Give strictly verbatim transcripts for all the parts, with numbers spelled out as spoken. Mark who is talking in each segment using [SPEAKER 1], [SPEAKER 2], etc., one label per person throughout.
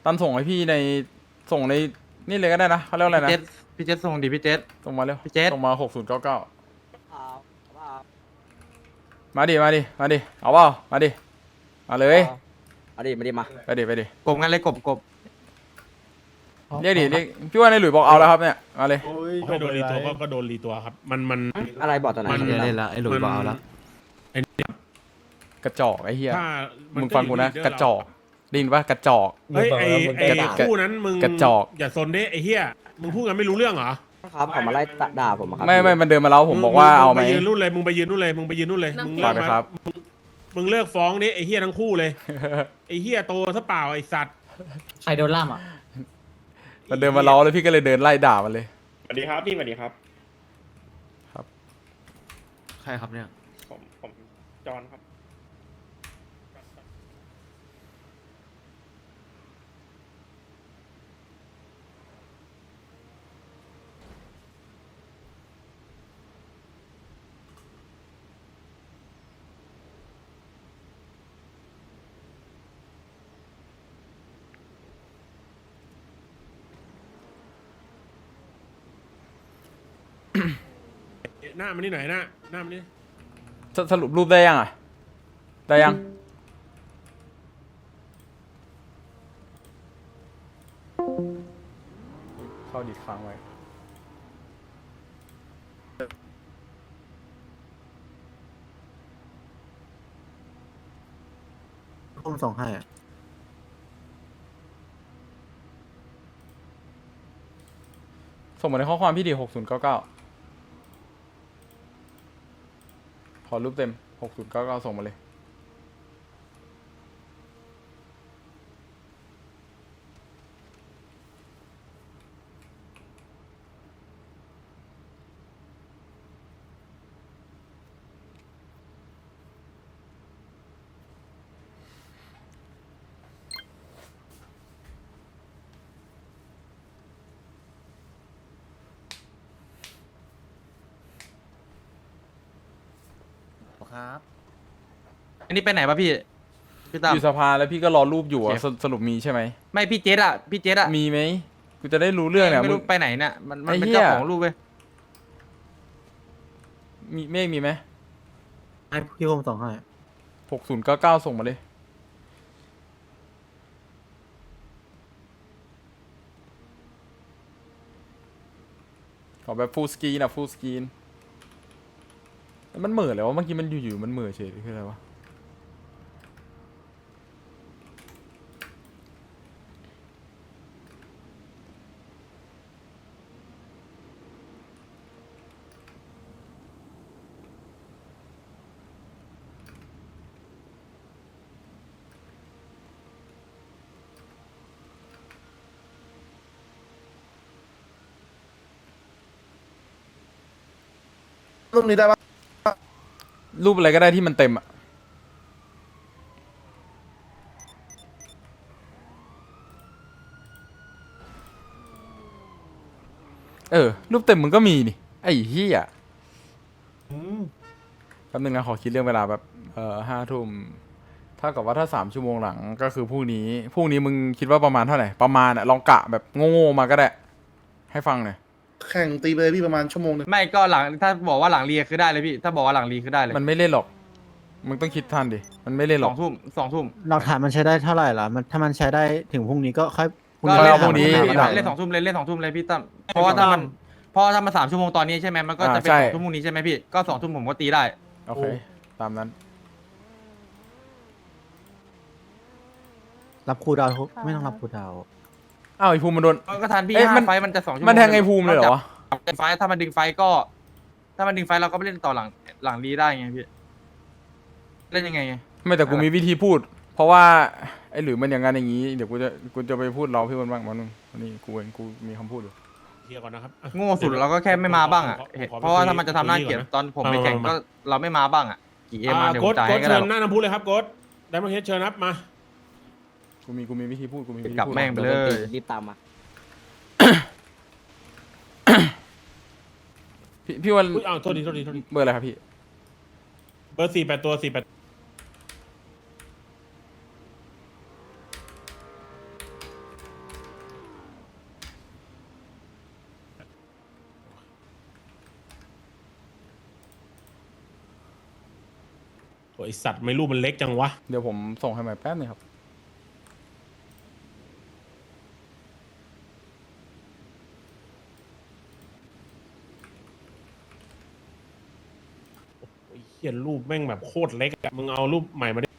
[SPEAKER 1] ตันส่งให้พี่ในส่งในนี่เลยก็ได้นะเขาเรียกอะไรนะ
[SPEAKER 2] พี่เจษพี่เจษส่งดิพี่เจษ
[SPEAKER 1] ส่งมาเร็ว
[SPEAKER 2] พี่เจษ
[SPEAKER 1] ส่งมาหกศูนย์เก้าเก้ามาดิมาดิมาดิเอาเปล่ามาดิมาเลย
[SPEAKER 3] เอาดิมาดิมา
[SPEAKER 1] ไปดิไปดิ
[SPEAKER 2] กบงั้นเลยกบกบ
[SPEAKER 1] เรียกดิเรียกพี่ว่าในหลุยบอกเอาแล้วครับเนี่ยมาเลย
[SPEAKER 4] ให้โดนรีตัวก็ก็โดนรีตัวครับ มันมัน
[SPEAKER 3] อะไรบอกตอนไหน
[SPEAKER 4] มัน
[SPEAKER 2] เล่นละไอ้หลุยบอกเอาละ
[SPEAKER 4] ไอ้นี่
[SPEAKER 1] กระจอกไอ้เหี้ย
[SPEAKER 4] ถ้า
[SPEAKER 1] มึ
[SPEAKER 4] มึ
[SPEAKER 1] งฟังกูนะกระจอกไดยินว่ากระจอก
[SPEAKER 4] เฮ้ยไอ้ไอ้
[SPEAKER 1] กระ
[SPEAKER 4] คู่นั้นมึง
[SPEAKER 1] กระจอก
[SPEAKER 4] อย่าซนดิไอ้เหี้ยมึงพูดกันไม่รู้เรื่องเหรอ
[SPEAKER 3] ครับเขามาไล่ด่าผมอะครับ
[SPEAKER 1] ไม่ไม่มันเดินมาแล้วผมบอกว่าเอาไหม
[SPEAKER 4] งไปยืนนู่นเลยมึงไปยืนนู่นเลยมึงไปยืนนู่นเลยมึง
[SPEAKER 1] ฝา
[SPEAKER 4] เลิ
[SPEAKER 1] ก
[SPEAKER 4] ก
[SPEAKER 1] ไป
[SPEAKER 4] มา
[SPEAKER 1] ครับ
[SPEAKER 4] มึงเลิกฟ้องดิไอ้เหี้ยทั้งคู่เลยไอ้เหี้ยโตซะเปล่าไอ้สัตว์
[SPEAKER 5] ใครโดนล่ามอ่ะ
[SPEAKER 1] มันเดินมาล้อแล้วพี่ก็เลยเดินไล่ด่ามันเลย
[SPEAKER 6] สวัสดีครับพี่สวัสดีครับ
[SPEAKER 2] ใครครับเนี่ย
[SPEAKER 6] ผมผมจอห์นครับ
[SPEAKER 4] หน้ามันนี่ไหนหน้าหน้ามันนี่
[SPEAKER 1] สสรุปรูปได้ยังอ่ะได้ยังเข้าดีดค้างไว้
[SPEAKER 2] ผมส่งให้
[SPEAKER 1] ส่งมาในข้อความพี่ดีหกศูนย์เก้าเก้าขอรูปเต็มหกศูนย์เก้าเก้าส่งมาเลย
[SPEAKER 2] ครับอันนี้ไปไหนปะพี่พี่ตั้ม
[SPEAKER 1] อยู่สภาแล้วพี่ก็รอรูปอยู่อ่ะสสรุปมีใช่ไหม
[SPEAKER 2] ไม่พี่เจษอะพี่เจษอะ
[SPEAKER 1] มีไหมกูจะได้รู้เรื่องเนี่ย
[SPEAKER 2] ไม่
[SPEAKER 1] มึ
[SPEAKER 2] รู้
[SPEAKER 1] ง
[SPEAKER 2] ไปไหนเนี่ยมันมัน
[SPEAKER 1] ไอ้
[SPEAKER 2] เป็น
[SPEAKER 1] เหี้ย
[SPEAKER 2] เจ้าของรูปเว้ย
[SPEAKER 1] มีเมฆมีไหม
[SPEAKER 2] ให้พี่ผมส่งให้
[SPEAKER 1] หกศูนย์เก้าเก้าส่งมาเลย ขอแบบฟูลสกรีนอะฟูลสกรีนมันเหม่อเลยวะเมื่อกี้มันอยู่ๆมันเหม่อเฉยคืออะไรวะรูปนี้ได้ปะรูปอะไรก็ได้ที่มันเต็มอะเออรูปเต็มมึงก็มีนี่ไอ้เหี้ยแป๊บนึงนะขอคิดเรื่องเวลาแบบเอ่อห้าทุ่มถ้ากับว่าถ้าสามชั่วโมงหลังก็คือพรุ่งนี้พรุ่งนี้มึงคิดว่าประมาณเท่าไหร่ประมาณอะลองกะแบบโง่ๆมาก็ได้ให้ฟังหน่อย
[SPEAKER 7] แข่งตีเลยพี่ประมาณชั่วโมงหนึง
[SPEAKER 2] ไม่ก็หลังถ้าบอกว่าหลังเรียคือได้เลยพี่ถ้าบอกว่าหลังเรียคือได้เลย
[SPEAKER 1] มันไม่เล่นหรอกมึงต้องคิดทันดิมันไม่เล่นห
[SPEAKER 2] ส
[SPEAKER 1] ร
[SPEAKER 2] อ
[SPEAKER 1] อก
[SPEAKER 2] งทุ่มสองทุ่ม
[SPEAKER 8] หลักฐานมันใช้ได้เท่าไหร่ล่ะมันถ้ามันใช้ได้ถึงพรุ่งนี้ก็ค่อย
[SPEAKER 2] ก็
[SPEAKER 1] ค่อย
[SPEAKER 2] เล่น
[SPEAKER 1] เอาพรุ่งนี้
[SPEAKER 2] พี่เล่นสองทุ่มเลยเล่นสองทุ่มเลยพี่ตั้มเพราะว่าถ้ามันเพราะว่าถ้ามันสามชั่วโมงตอนนี้ใช่ไหมมันก็จะเป็น
[SPEAKER 1] อ่า
[SPEAKER 2] ส
[SPEAKER 1] ใช่
[SPEAKER 2] องทุ่มพรุ่งนี้ใช่ไหมพี่ก็สองทุ่มผมก็ตีได้
[SPEAKER 1] โอเคตามนั้น
[SPEAKER 8] รับครูดาวไม่ต้องรับครูดาว
[SPEAKER 1] อ้าวไอ้ภูมิมันโดน
[SPEAKER 2] ก็ทันพี่
[SPEAKER 1] เอ๊ะมัน
[SPEAKER 2] ห้าไฟท์มันจะสองชั่วโมง
[SPEAKER 1] มันแทงไอ้ภูมิเลยเหรอวะ
[SPEAKER 2] เป็นไฟท์ถ้ามันดึงไฟท์ก็ ถ้ามันดึงไฟท์เราก็ไปเล่นต่อหลังหลังรีได้ไงพี่เล่นยังไงไง
[SPEAKER 1] ไม่แต่กูมีวิธีพูด เพราะว่าไอ้หรือมันอย่างงั้นอย่างงี้เดี๋ยวกูจะกูจะไปพูดเราพี่มันบ้างมันนึงวันนี้กูเองกูมีคำพูดอยู่
[SPEAKER 4] เคลียร์ก่อนนะครับอ่ะ
[SPEAKER 2] โง่สุดเราก็แค่ไม่มาบ้างอ่ะ
[SPEAKER 4] ขอขอ
[SPEAKER 2] เห็น
[SPEAKER 4] ขอไป
[SPEAKER 2] เพราะว่า
[SPEAKER 4] คุย
[SPEAKER 2] ถ้ามันจะทำหน้าเกลียด
[SPEAKER 4] คุยก่อนนะ
[SPEAKER 2] ตอนผมไป
[SPEAKER 4] มา
[SPEAKER 2] แข่ง
[SPEAKER 4] มา
[SPEAKER 2] ก็เราไม่มาบ้างอ่ะกี่เอ็มมา
[SPEAKER 4] อ่า
[SPEAKER 2] เดี๋ยว
[SPEAKER 4] โค้
[SPEAKER 2] ผ
[SPEAKER 4] ด
[SPEAKER 2] มจ่าย
[SPEAKER 4] โค้
[SPEAKER 2] ให้
[SPEAKER 4] ด
[SPEAKER 2] ก็
[SPEAKER 4] เชิ
[SPEAKER 2] ได้
[SPEAKER 4] ญหน้าน้ำพุเลยครับโค้ดได้มาเฮดเชิญครับมา
[SPEAKER 1] กูมีกูมีวิธีพูดกูมีวิธี
[SPEAKER 2] กลับ
[SPEAKER 1] พูด
[SPEAKER 2] แม่งไปเลย
[SPEAKER 3] รีบตามมา
[SPEAKER 1] พี่พี่วัน
[SPEAKER 4] อุ้ยอ้าวโทษทีโทษทีโทษที
[SPEAKER 1] เบอร์อะไรครับพี่
[SPEAKER 4] เบอร์สี่แปดตัวสี่แปดโอ้ยไอ้สัตว์ไม่รูปมันเล็กจังวะ
[SPEAKER 1] เดี๋ยวผมส่งให้ใหม่แป๊บนึงครับ
[SPEAKER 4] ไอ้เหี้ยรูปแม่งแบบโคตรเล็กอะมึงเอารูปใหม่มาดิ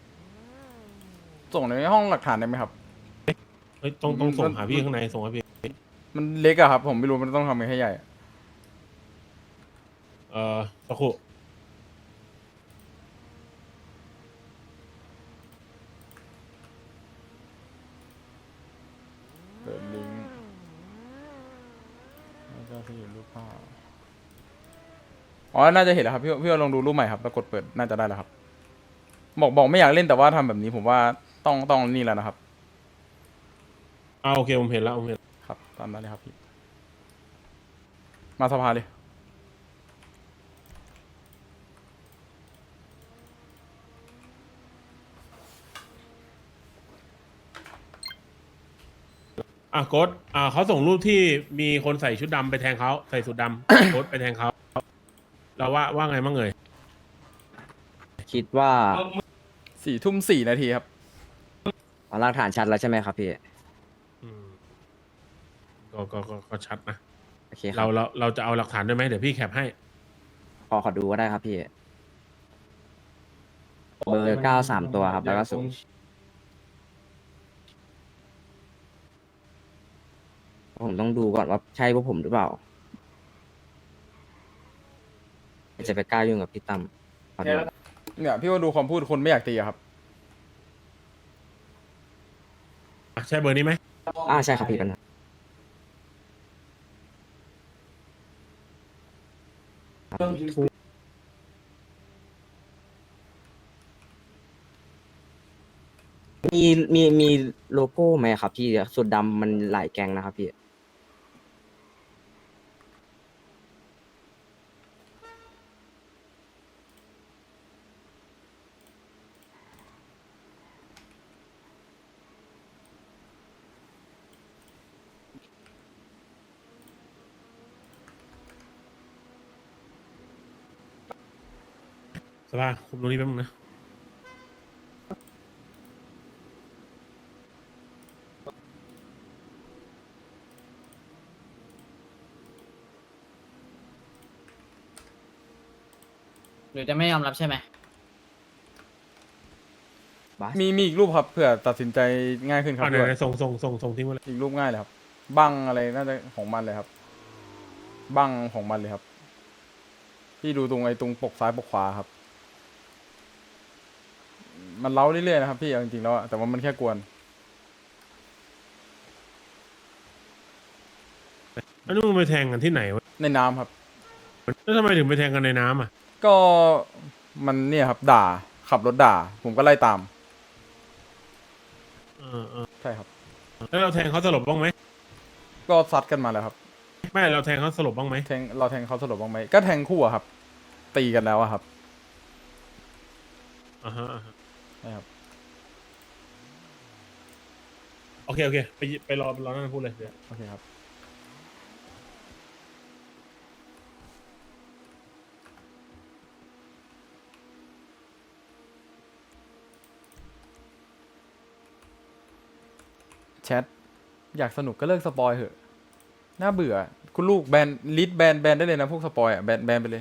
[SPEAKER 1] ส่งในห้องหลักฐานได้ไหมครับ
[SPEAKER 4] เฮ้ยต้องต้องส่งหาพี่ข้างในส่งให้พี่
[SPEAKER 1] มันเล็กอะครับ ผมไม่รู้มันต้องทำยังไงให้ใหญ่อะ
[SPEAKER 4] เอ่อสักครู่
[SPEAKER 1] เปิดลิงก์แล้วก็ที่รูปภาพอ๋อ น่าจะเห็นแล้วครับ พี่พี่ลองดูรูปใหม่ครับแล้วกดเปิดน่าจะได้แล้วครับ บอกบอกไม่อยากเล่นแต่ว่าทำแบบนี้ผมว่าต้องต้องนี่แล้วนะครับ
[SPEAKER 4] อ่าโอเคผมเห็นแล้วผมเห็น
[SPEAKER 1] ครับตามนั้นเลยครับพี่ มาสภาเลย
[SPEAKER 4] อ่ะโค้ดอ่าเขาส่งรูปที่มีคนใส่ชุดดำไปแทงเขาใส่สุดดำ โค้ดไปแทงเขาเราว่าว่าไงบ้างเอ่ย
[SPEAKER 3] คิดว่า
[SPEAKER 1] สี่ทุ่มสี่นาทีครับ
[SPEAKER 3] เอาหลักฐานชัดแล้วใช่ไหมครับพี่
[SPEAKER 4] อืมก็ก็ก็ก็ชัดนะ
[SPEAKER 3] โอเคครั
[SPEAKER 4] เรา
[SPEAKER 3] บ
[SPEAKER 4] เราเราจะเอาหลักฐานด้วยไหมเดี๋ยวพี่แคปให้
[SPEAKER 3] ขอขอดูก็ได้ครับพี่ เบอร์เก้าสามตัวครับ แล้วก็สูงผมต้องดูก่อนว่าใช่พวกผมหรือเปล่าจะไปกล้ายุ่งกับพี่ตั้มขอดู
[SPEAKER 1] เนี่ยพี่ว่าดูความพูดคนไม่อยากตีอะครับ
[SPEAKER 4] อ่ะใช่เบอร์นี้ไหม
[SPEAKER 3] อ่าใช่ครับพี่กันนะมีมีมีโลโก้ไหมครับพี่สุดดำมันหลายแกงนะครับพี่
[SPEAKER 4] สภาคุมตรงนี้แป๊บนึงนะ
[SPEAKER 5] หรือจะไม่ยอมรับใช่ไหม
[SPEAKER 1] มีมีอีกรูปครับเผื่อตัดสินใจง่ายขึ้นครับ
[SPEAKER 4] อ่าไหน
[SPEAKER 1] ด้วย
[SPEAKER 4] ไหนส่งส่งส่งส่งทิ้งไว้เลย
[SPEAKER 1] อีกรูปง่ายเลยครับ บังอะไรน่าจะของมันเลยครับ บังของมันเลยครับ พี่ดูตรงไอ้ตรงปกซ้ายปกขวาครับ มันเล้าเรื่อยๆนะครับพี่เอาจริงๆแล้วอะแต่ว่ามันแค่กวน
[SPEAKER 4] แล้วนี่มึงไปแทงกันที่ไหนวะ
[SPEAKER 1] ในน้ำครับ
[SPEAKER 4] แล้วทำไมถึงไปแทงกันในน้ำอ่ะ
[SPEAKER 1] ก็มันเนี่ยครับด่าขับรถด่า ผมก็ไล่ตาม
[SPEAKER 4] เออเออ
[SPEAKER 1] ใช่ครับ
[SPEAKER 4] แล้วเราแทงเขาสลบบ้างไหม
[SPEAKER 1] ก็ซัดกันมาแล้วครับ
[SPEAKER 4] ไม่เราแทงเขาสลบบ้างไหม
[SPEAKER 1] แทงเราแทงเขาสลบบ้างไหมก็แทงคู่อะครับ ตีกันแล้วอะครับ
[SPEAKER 4] อ่าฮะอ่าฮะ
[SPEAKER 1] ใช่ครับ
[SPEAKER 4] โอเคโอเคไปไปรอไปรอนั่นพูดเลยเดี๋ยว
[SPEAKER 1] โอเคครับ แชทอยากสนุกก็เลิกสปอยเหอะ น่าเบื่อ คุณลูกแบนลิสแบนแบนได้เลยนะ พวกสปอยอ่ะ แบนแบนไปเลย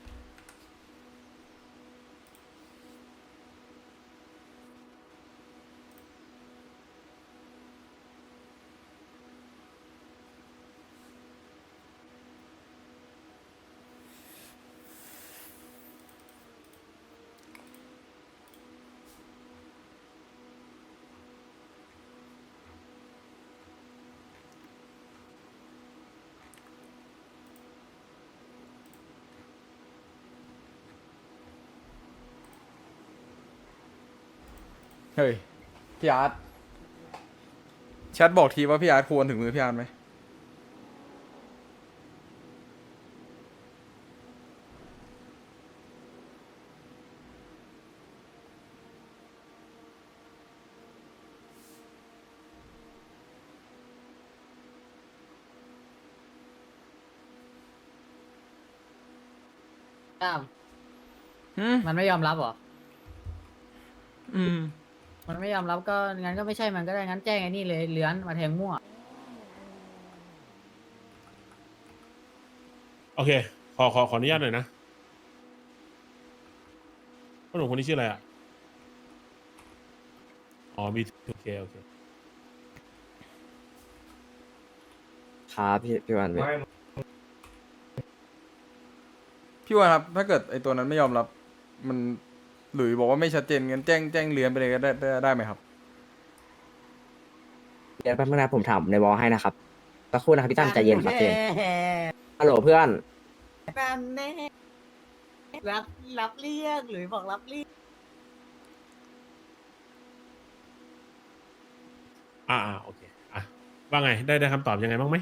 [SPEAKER 1] เฮ้ย พี่อาร์ตแชทบอกทีว่าพี่อาร์ตควรถึงมือพี่อาร์ตไหม
[SPEAKER 5] อ้าว
[SPEAKER 1] หืม
[SPEAKER 5] มันไม่ยอมรับเหรอ
[SPEAKER 1] อืม
[SPEAKER 5] มันไม่ยอมรับก็งั้นก็ไม่ใช่มันก็ได้งั้นแจ้งไอ้นี่เลยเลื้อนมาแทงมั่ว
[SPEAKER 4] โอเค ขอขอขออนุญาตหน่อยนะพ่อหนุ่มคนนี้ชื่ออะไรอ่ะ อ๋อ มี โอเค โอเค
[SPEAKER 3] ครับพี่พี่วันพี่
[SPEAKER 1] พี่ว่าครับ ถ้าเกิดไอตัวนั้นไม่ยอมรับ มันหลุยบอกว่าไม่ชัดเจนงั้นแจ้งแจ้งเลือนไปเลยก็ได้ได้ได้ไหมครับ
[SPEAKER 3] เดี๋ยวแป๊บนึงนะผมถามในวอลให้นะครับสักครู่นะครับพี่ตั้มใจเย็นครับเจนฮัลโหลเพื่อน
[SPEAKER 5] นั่นแน่รับรับเรียกหรือบอกรับเรียก
[SPEAKER 4] อ่าอ่าโอเค อ่ะ ว่าไง ได้ได้คำตอบยังไงบ้างไหม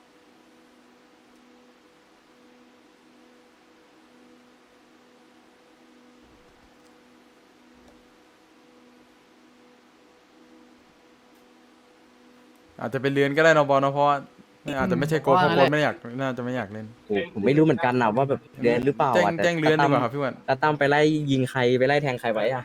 [SPEAKER 1] อาจจะเป็นเลือนก็ได้เนอะบอลเนอะเพราะว่าอาจจะไม่ใช่โกดเพราะโกดไม่อยากน่าจะไม่อยากเล่น
[SPEAKER 3] โอ้ผมไม่รู้เหมือนกันนะว่าแบบเดือนหรือเปล่า
[SPEAKER 1] แจ้ง
[SPEAKER 3] อะแต่
[SPEAKER 1] แจ้งเลือนดีกว่าครับพี่วัน
[SPEAKER 3] ตาตั้มไปไล่ยิงใครไปไล่แทงใครไว้อะ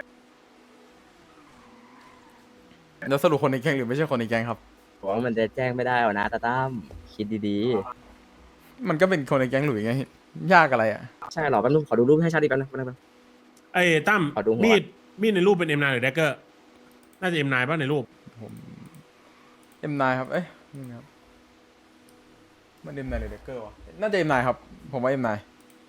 [SPEAKER 1] แล้วสรุปคนในแก๊งหรือไม่ใช่คนในแก๊งครับ
[SPEAKER 3] ผมว่ามันจะแจ้งไม่ได้หรอกนะตาตั้มคิดดี
[SPEAKER 1] มันก็เป็นคนในแก๊งหลุยไง ยากอะไรอ่ะ
[SPEAKER 3] ๆ ใช่หรอแป๊บนึงขอดูรูปให้ชัดอีกแป๊บนึงแป๊บนึง
[SPEAKER 4] ไอ้ตั้ม
[SPEAKER 3] ขอดูหัว
[SPEAKER 4] มีด มีดในรูปเป็น เอ็ม ไนน์ หรือ Dagger น่าจะ เอ็ม ไนน์ ป่ะในรูป
[SPEAKER 1] ผมเอ็มนายครับ เอ้ยนี่ครับ มันเอ็มนายหรือเดกเกอร์วะ น่าจะเอ็มนายครับ ผมว่าเอ็มนาย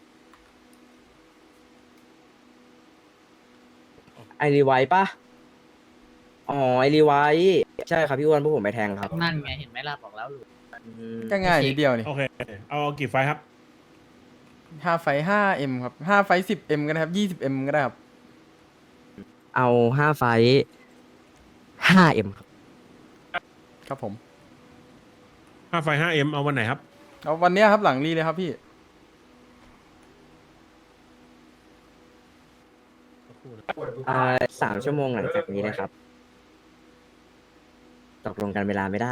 [SPEAKER 3] ไอรีไวท์ปะอ๋อไอรีไวท์ใช่ครับพี่อ้วนพวกผมไปแทงครับ
[SPEAKER 5] นั่นไงเห็นไหมล่ะบอกแล้วหรือ
[SPEAKER 3] อืม
[SPEAKER 1] ก็ง่ายนิดเดียวนี่
[SPEAKER 4] โอเค เอาเอากี่ไฟล์ครับ
[SPEAKER 1] ห้าไฟห้าเอ็มครับห้าไฟสิบเอ็มก็ได้ครับยี่สิบเอ็มก็ได้ครับ
[SPEAKER 3] เอาห้าไฟห้าเอ็มครับ
[SPEAKER 1] ครับผม
[SPEAKER 4] ห้าไฟล์ ห้า เอ็ม เอาวันไหนครับ
[SPEAKER 1] เอาวันเนี้ยครับหลังรีเลยครับพี่
[SPEAKER 3] อ่าสามชั่วโมงหลังจากนี้นะครับตกลงกันเวลาไม่ได้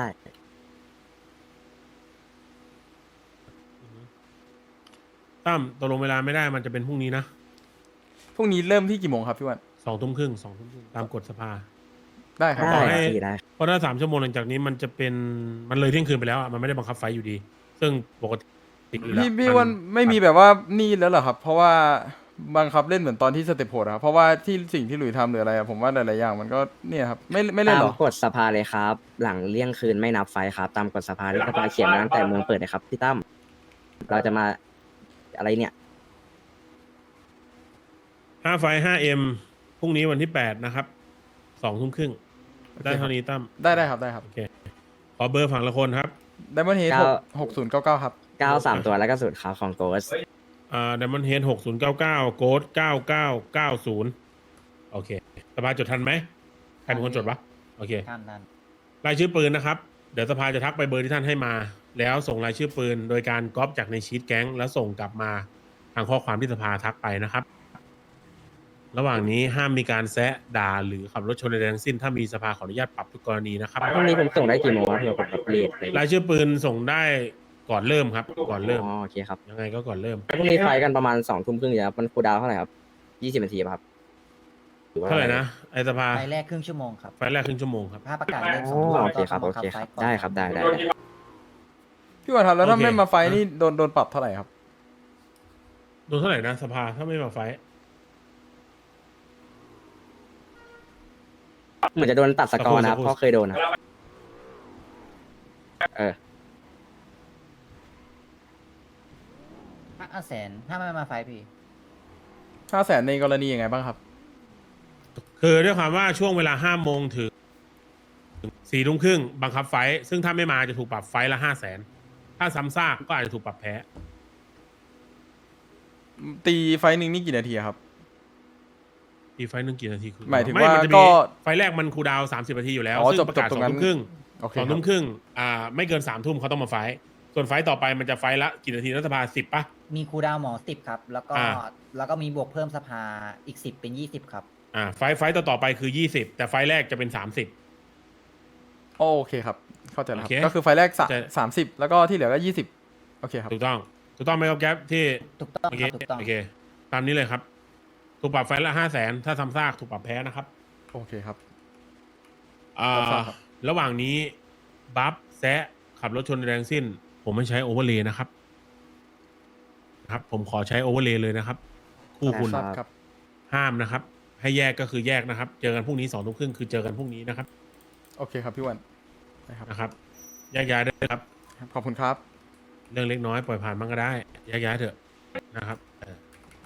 [SPEAKER 4] ตั้มตกลงเวลาไม่ได้มันจะเป็นพรุ่งนี้นะ
[SPEAKER 1] พรุ่งนี้เริ่มที่กี่โมงครับพี่วัน
[SPEAKER 4] สองทุ่มครึ่งสองทุ่มครึ่งตามกฎสภา
[SPEAKER 1] ได้ครับ
[SPEAKER 3] ได้
[SPEAKER 4] ขอให้
[SPEAKER 3] พี่ได้
[SPEAKER 4] เพราะถ้าสามชั่วโมงหลังจากนี้มันจะเป็นมันเลยเที่ยงคืนไปแล้วอ่ะมันไม่ได้บังคับไฟล์อยู่ดี ซึ่งปกติอยู่แล้ว
[SPEAKER 1] พี่พี่วันไม่มีแบบว่านี่แล้วเหรอครับ เพราะว่าบังคับเล่นเหมือนตอนที่สเต็ปโหดอะครับเพราะว่าที่สิ่งที่หลุยทำหรืออะไรอะผมว่าหลายๆอย่างมันก็เนี่ยครับไม่ไม่เล่น
[SPEAKER 3] ตา
[SPEAKER 1] ห
[SPEAKER 3] ม
[SPEAKER 1] รอ
[SPEAKER 3] กฎสภาเลยครับ หลังเลี่ยงคืนไม่นับไฟครับ ตามกฎสภาที่สภาเขียนมาตั้งแต่เมืองเปิดนะครับพี่ตั้มเราจะมาอะไรเนี่ย
[SPEAKER 4] ห้าไฟล์ ห้า เอ็ม พรุ่งนี้วันที่แปดนะครับสองทุ่มครึ่งได้เท่านี้ตั้ม
[SPEAKER 1] ได้ได้ครับได้ครับ
[SPEAKER 4] โอเคขอเบอร์ฝั่งละคนครับ
[SPEAKER 1] ไดมอนด์เฮด
[SPEAKER 3] เก้า
[SPEAKER 1] หกศูนย์เก้าเก้าครับ
[SPEAKER 3] เก้าสามตัวแล้วก็สูตรขาวของโกส
[SPEAKER 4] อ่า Diamond Head หกศูนย์เก้าเก้า โกดเก้าเก้าเก้าศูนย์โอเคสภาจดทันไหมใครเป็นคนจดวะโอเค
[SPEAKER 5] ท่านท่าน
[SPEAKER 4] รายชื่อปืนนะครับ เดี๋ยวสภาจะทักไปเบอร์ที่ท่านให้มา แล้วส่งรายชื่อปืน โดยการก๊อปจากในชีตแก๊ง แล้วส่งกลับมาทางข้อความที่สภาทักไปนะครับ ระหว่างนี้ห้ามมีการแซะด่าหรือขับรถชนใดๆทั้งสิ้น ถ้ามีสภาขออนุญาตปรับทุกกรณีนะครับ
[SPEAKER 3] พรุ่งนี้ผมส่งได้กี่โมงครับเผื่อผมแบบเลทเลย
[SPEAKER 4] รายชื่อปืนส่งได้ก่อนเริ่มครับ ก่อนเริ่ม
[SPEAKER 3] อ๋อโอเคครับ
[SPEAKER 4] ยังไงก็ก่อนเริ่ม
[SPEAKER 3] พรุ่งนี้ไฟกันประมาณสองทุ่มครึ่งอยู่ครับมันคูลดาวน์เท่าไหร่ครับยี่สิบนาทีป่ะครับรือว่
[SPEAKER 4] เท่าไหร่นะไอสภา
[SPEAKER 5] ไฟแรกครึ่งชั่วโมงครับ
[SPEAKER 4] ไฟล์แรกครึ่งชั่วโมงครับ
[SPEAKER 5] ถ้าประกาศเล่นส
[SPEAKER 3] อ๋
[SPEAKER 5] อ
[SPEAKER 3] อง
[SPEAKER 5] ทุ่ม
[SPEAKER 3] โอเคครับ
[SPEAKER 5] ก็
[SPEAKER 3] โอเค
[SPEAKER 5] บัง
[SPEAKER 3] ครับ
[SPEAKER 5] ไฟก่อน
[SPEAKER 3] ได้ครับได้ได้ได้
[SPEAKER 1] พี่วันครับแล้วถ้า
[SPEAKER 4] โอเค
[SPEAKER 1] ไม่มาไฟท์นี่โดนโดนปรับเท่าไหร่ครับ
[SPEAKER 4] โดนเท่าไหร่นะสภาถ้าไม่มาไฟท์
[SPEAKER 3] เหมือนจะโดนตัดสกอร์นะครับ
[SPEAKER 4] สักครู่
[SPEAKER 3] เพราะเคยโดนนะครับเออ
[SPEAKER 5] ห้าแสนถ้าไม่มาไฟพี่
[SPEAKER 1] ห้าแสนในกรณียังไงบ้างครับ
[SPEAKER 4] คือด้วยความว่าช่วงเวลาห้าโมงถึงสี่ทุ่มครึ่งบังคับไฟท์ซึ่งถ้าไม่มาจะถูกปรับไฟท์ละห้าแสนถ้าซ้ำซากก็อาจจะถูกปรับแพ้
[SPEAKER 1] ตีไฟท์หนึ่งนี่กี่นาทีครับ
[SPEAKER 4] อีกไฟท์หนึ่งกี่นาทีคือ
[SPEAKER 1] หมายถึง
[SPEAKER 4] ไน
[SPEAKER 1] ว่า
[SPEAKER 4] จะ
[SPEAKER 1] ก็
[SPEAKER 4] ไฟท์แรกมันคูลดาวน์สามสิบนาทีอยู่แล้ว
[SPEAKER 1] อ๋อ
[SPEAKER 4] ซึ่ง
[SPEAKER 1] จบ
[SPEAKER 4] ประกาศ
[SPEAKER 1] จบต
[SPEAKER 4] ส
[SPEAKER 1] ร
[SPEAKER 4] อง ง
[SPEAKER 1] นั้น
[SPEAKER 4] ทุ่มครึ่ง
[SPEAKER 1] โอเค
[SPEAKER 4] สอง
[SPEAKER 1] ครั
[SPEAKER 4] ทุ่
[SPEAKER 1] บ
[SPEAKER 4] มครึ่งอ่าไม่เกินสามทุ่มเขาต้องมาไฟท์ส่วนไฟท์ต่อไปมันจะไฟท์ละกี่นาทีรัฐสภาสิบป่ะ
[SPEAKER 9] มีครูดาวหมอสิบครับ แล้วก็
[SPEAKER 4] อ่า
[SPEAKER 9] แล้วก็มีบวกเพิ่มสภาอีกสิบเป็นยี่สิบครับ
[SPEAKER 4] อ่าไฟท์ไฟท์ต่อต่อไปคือยี่สิบแต่ไฟท์แรกจะเป็นสามสิบ
[SPEAKER 1] โอเคครับ เข้าใจแล้วครั
[SPEAKER 4] โอบ เค
[SPEAKER 1] ก็คือไฟล์แรกสะ
[SPEAKER 4] จะ
[SPEAKER 1] สามสิบแล้วก็ที่เหลือก็ยี่สิบโอเคครับ
[SPEAKER 4] ถูกต้องถูกต้องไหมครับแก๊ปที่
[SPEAKER 9] ถูกต้อง
[SPEAKER 4] โอ
[SPEAKER 9] ค
[SPEAKER 4] เค
[SPEAKER 9] รับถูกต้อง
[SPEAKER 4] โอเค ตามนี้เลยครับ ถูกปรับไฟล์ละห้าแสนถ้าซ้ำซากถูกปรับแพ้นะครับ
[SPEAKER 1] โอเคครับ
[SPEAKER 4] อ่า
[SPEAKER 1] รับทราบครับ
[SPEAKER 4] ระหว่างนี้บัฟแซะขับรถชนแรงสิ้น ผมไม่ใช้โอเวอร์เลย์นะครับครับ ผมขอใช้โอเวอร์เลย์เลยนะครับ คู่คุณ
[SPEAKER 1] ทราบครับ
[SPEAKER 4] ห้ามนะครับ ให้แยกก็คือแยกนะครับ เจอกันพรุ่งนี้สองทุ่มครึ่งคือเจอกันพรุ่งนี้นะครับ
[SPEAKER 1] โอเคครับพี่อ้วันนะครับ
[SPEAKER 4] นะครับแยกย้ายได้เลยครับ
[SPEAKER 1] ขอบคุณครับ
[SPEAKER 4] เรื่องเล็กน้อยปล่อยผ่านบ้างก็ได้แยกย้ายเถอะนะครับเออ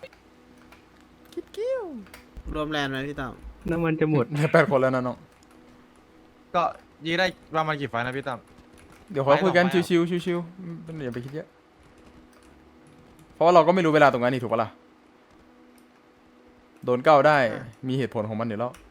[SPEAKER 8] รวมแลนด์ไหมพี่ตั้ม
[SPEAKER 1] น้ำมันจะหมด แปดคนแล้วนะน้อง
[SPEAKER 2] ก็ยื้อได้ประมาณกี่ไฟล์นะพี่ตั้ม
[SPEAKER 1] เดี๋ยวขอคุยกัน
[SPEAKER 2] ไปต่อไป
[SPEAKER 1] ชิวๆชิวๆไม่อย่าไปคิดเยอะ เพราะว่าเราก็ไม่รู้เวลาตรงนั้นนี่ถูกปะล่ะ โดนเก้าได้ มีเหตุผลของมันอยู่แล้ว